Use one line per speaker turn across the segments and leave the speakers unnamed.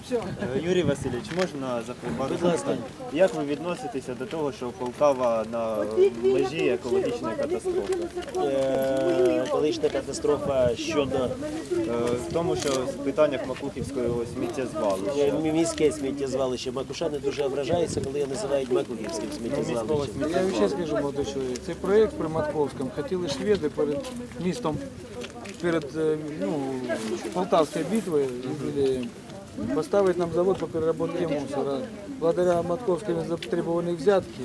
Юрій Васильович, можна запитати? Як ви відноситеся до того, що Полтава на межі екологічної катастрофи?
Екологічна катастрофа щодо
В тому, що в питаннях Макухівського сміттєзвалища.
міське сміттєзвалище. Макушани дуже ображаються, коли його називають Макухівським сміттєзвалищем.
Я вам ще скажу, молодий чоловік, цей проєкт при Матковському хотіли шведи перед містом, перед Полтавською битвою поставити нам завод по переработке мусора. Благодаря Матковской затребованной взятки,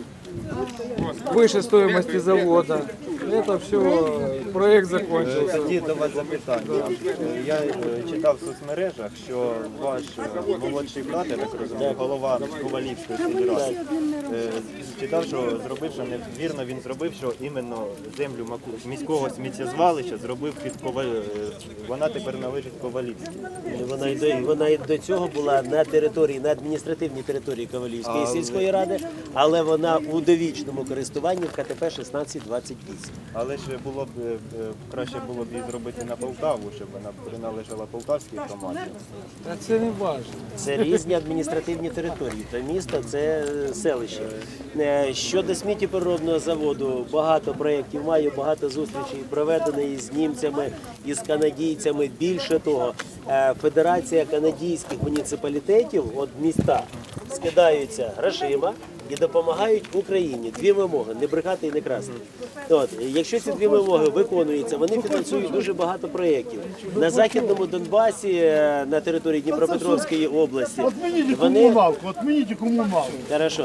выше стоимости завода, это все, проект закончился.
Тоді до вас запитання. Я читав в соцмережах, що ваш молодший брат, я так розумію, голова Ковалівської федерації, читав, що зробив, що невірно він зробив, що іменно землю міського сміттєзвалища зробив під вона тепер належить Ковалівській.
Вона і до цього була на території, на адміністративній території Ковалівської сільської ради, але вона у довічному користуванні в КТП 1628.
Але ж було б краще було б її зробити на Полтаву, щоб вона приналежала полтавській команді.
А це не важливо.
Це різні адміністративні території. То місто – це селище. Щодо сміттєпереробного заводу, багато проєктів маю, багато зустрічей проведено із німцями, із канадійцями. Більше того, Федерація канадійських муніципалітетів, от міста, скидаються грошима і допомагають Україні. Дві вимоги – не брехати і не красти. От, якщо ці дві вимоги виконуються, вони фінансують дуже багато проєктів. На Західному Донбасі, на території Дніпропетровської області,
Отмініть комуналку.
Хорошо.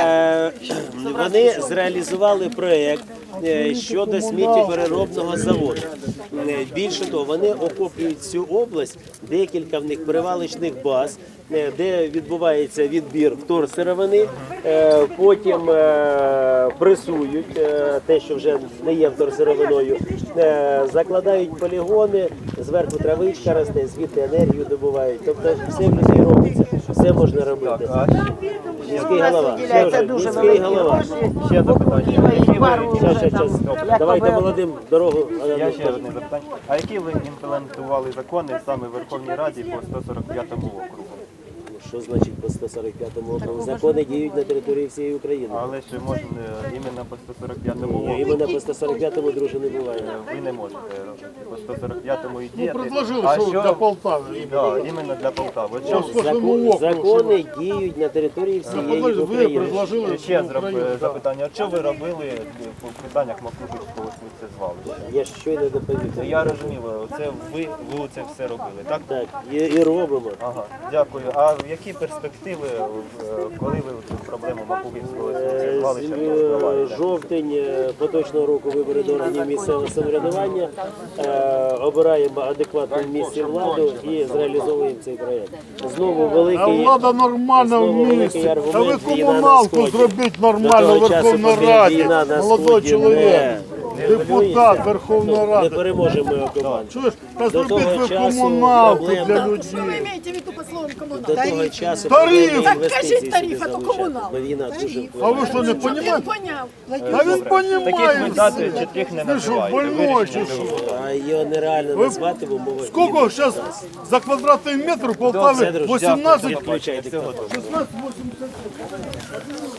Вони зреалізували проєкт щодо сміттєпереробного заводу. Більше того, вони охоплюють всю область, декілька в них перевалочних баз, де відбувається відбір вторсировини, потім пресують те, що вже не є вторсировиною, закладають полігони, зверху травичка росте, звідти енергію добувають. Тобто все в людей робиться, все можна робити. Міський голова. Міський голова.
Ще запитання.
Щас. Давайте молодим дорогу.
Я ще одне запитання. А які ви імплементували закони саме в Верховній Раді по 145 округу?
Що значить по 145-му округу? Закони діють на території всієї України.
Але ж можна іменно по 145-му округу.
Іменно по 145-му, друже, не буває.
Ви не можете по 145-му і діяти.
Предложили, що для Полтави.
Да, іменно для Полтави. От що
Закони діють на території всієї
Ви
України.
предложили
ще запитання. От що ви робили по питаннях Макухівського сміттєзвалища?
Я ж щойно доповів.
Я розумію, це ви це все робили, так?
Так, і робимо.
Ага, дякую. А які перспективи, коли ви цю проблему Макухівського сміттєзвалища розвиваєте?
Жовтень поточного року вибори до органів місцевого самоврядування. Обираємо адекватну в місті владу і зреалізовуємо цей проєкт. Знову
А
великий,
влада нормально в місті. Та ви комуналку зробіть нормально в Верховній Раді. Молодой чоловік, депутат Верховної
не
Ради.
переможемо його команду.
Чуєш, та
До
зробіть
того
ви
часу
комуналку
проблем-
для
Что вы
людей.
имеете в виду по словам коммуналка?
До того часу
Тариф!
проблеми
Так
інвестицій
кажіть тариф,
сюди
а то
залучати.
комунал.
Бо війна дуже
А
впливає.
ви що, не
Я
розумієте?
понял.
Та він
Таких
розуміє.
видатів чітких не
Ви що,
називаєте.
больной чи що?
А його нереально назвати в умовах.
Скільки
війни.
зараз за квадратний метр в Полтаві?
Все, друже,
18?
відключайте.
16,80.